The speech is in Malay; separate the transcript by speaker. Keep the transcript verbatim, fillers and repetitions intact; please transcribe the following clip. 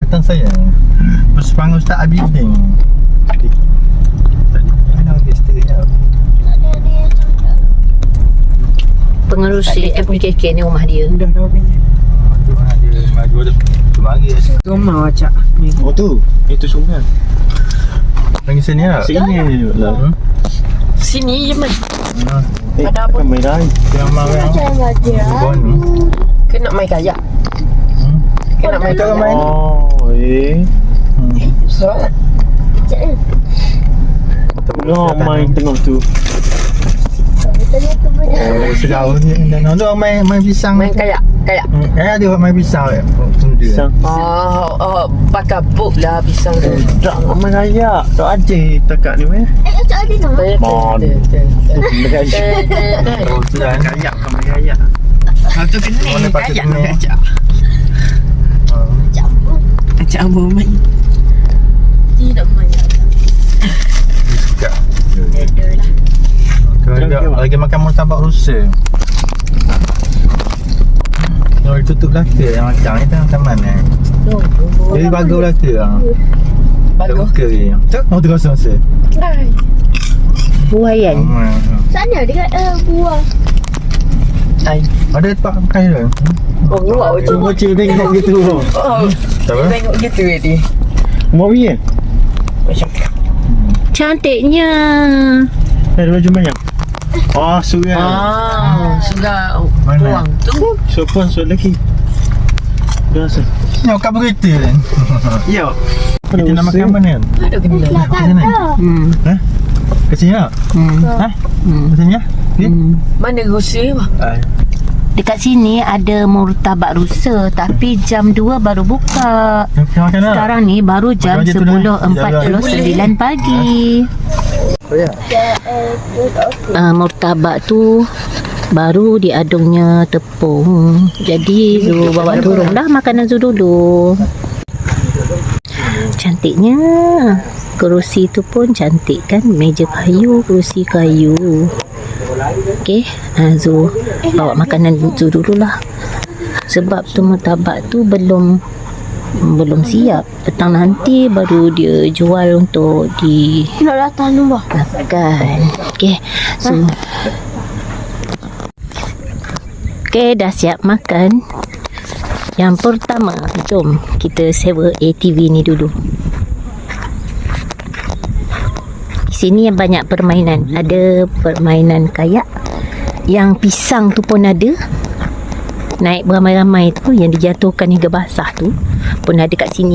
Speaker 1: Kata saya Bersepang Ustaz Abidin. Mana lagi seterusnya?
Speaker 2: Pengerusi M K K ni rumah dia.
Speaker 3: Dah dah habis.
Speaker 1: Tu ada maju ada tu mari.
Speaker 3: Rumah acak.
Speaker 4: Oh tu, itu sungai.
Speaker 1: Pergi sini lah.
Speaker 4: Sini lah.
Speaker 1: Hmm.
Speaker 2: Sini je man.
Speaker 1: Hmm.
Speaker 4: Eh,
Speaker 2: Ada apa?
Speaker 4: Kan main air.
Speaker 1: Yang mau yang Bon ni.
Speaker 2: Kena main kayak.
Speaker 1: Hmm.
Speaker 2: Kena main
Speaker 1: Kita
Speaker 2: kayak.
Speaker 1: main.
Speaker 4: Oh, eh.
Speaker 1: Hmm.
Speaker 2: So,
Speaker 4: No, main tengok tu.
Speaker 1: Oh, sejauh ni dan tu main main pisang.
Speaker 2: main kayak. Kayak.
Speaker 1: Hmm. Eh ada orang main pisang ya. Tunda.
Speaker 4: Pisang.
Speaker 2: Oh, oh, pakai book lah pisang tu.
Speaker 4: Tak main raya. Tak ada takat ni meh. Mon. Dekat
Speaker 1: Oh, sudah kan.
Speaker 4: kayak kan main raya.
Speaker 2: Satu kena
Speaker 1: Mana patut
Speaker 2: kayak
Speaker 1: kena?
Speaker 2: kayak.
Speaker 1: Hmm.
Speaker 2: Acak apa main? Tidak main.
Speaker 1: Suka. Kalau ada lagi makan murtabak rusa. Kalau ditutup belaka yang macam ni tengah taman eh. Jadi bagus belaka lah. Tak
Speaker 2: Bagus.
Speaker 1: buka je. Cak, mau tu kosong rasa.
Speaker 2: Buayan.
Speaker 1: Hmm.
Speaker 5: Sana dekat uh, buah.
Speaker 2: Ai.
Speaker 1: Ada tempat makan je.
Speaker 2: Oh, luar je.
Speaker 4: Cuba cik tengok gitu.
Speaker 2: Oh,
Speaker 1: Tak apa?
Speaker 2: tengok gitu dia.
Speaker 4: Mau pergi eh?
Speaker 2: Macam
Speaker 5: Cantiknya.
Speaker 4: Eh, ada baju banyak. Oh, sungai.
Speaker 2: ah, sudah
Speaker 1: Mana?
Speaker 2: buang tu.
Speaker 4: Sopan so lagi. Biasa.
Speaker 1: Ni kat berita kan.
Speaker 4: Ya.
Speaker 1: Kita nak makan mana kan?
Speaker 2: Ada kena.
Speaker 1: Kat sini.
Speaker 2: Hmm.
Speaker 1: Eh? Kat sini tak?
Speaker 2: Hmm.
Speaker 1: Ha?
Speaker 2: Hmm.
Speaker 1: Kat sini ya? Okey.
Speaker 2: Mana rusi bah?
Speaker 1: Ah.
Speaker 5: Dekat sini ada murtabak rusa tapi jam dua baru buka.
Speaker 1: Kita makan tak?
Speaker 5: Sekarang ni baru jam
Speaker 1: Makan je tu dah.
Speaker 5: sepuluh empat puluh sembilan pagi.
Speaker 1: Oh ya.
Speaker 5: Uh, murtabak tu baru diadungnya tepung. Jadi Zul bawa turun dah makanan Zul dulu. Cantiknya. Kerusi tu pun cantik kan. Meja kayu, kerusi kayu. Okey, ha, Zul bawa makanan Zul dulu lah. Sebab tu murtabak tu belum belum siap. Petang nanti baru dia jual untuk di
Speaker 2: Nak datang nombor.
Speaker 5: makan. Okey. So Okey, dah siap makan. Yang pertama, jom kita sewa A T V ni dulu. Di sini banyak permainan. Ada permainan kayak. Yang pisang tu pun ada. Naik beramai-ramai tu yang dijatuhkan hingga basah tu pun ada kat sini.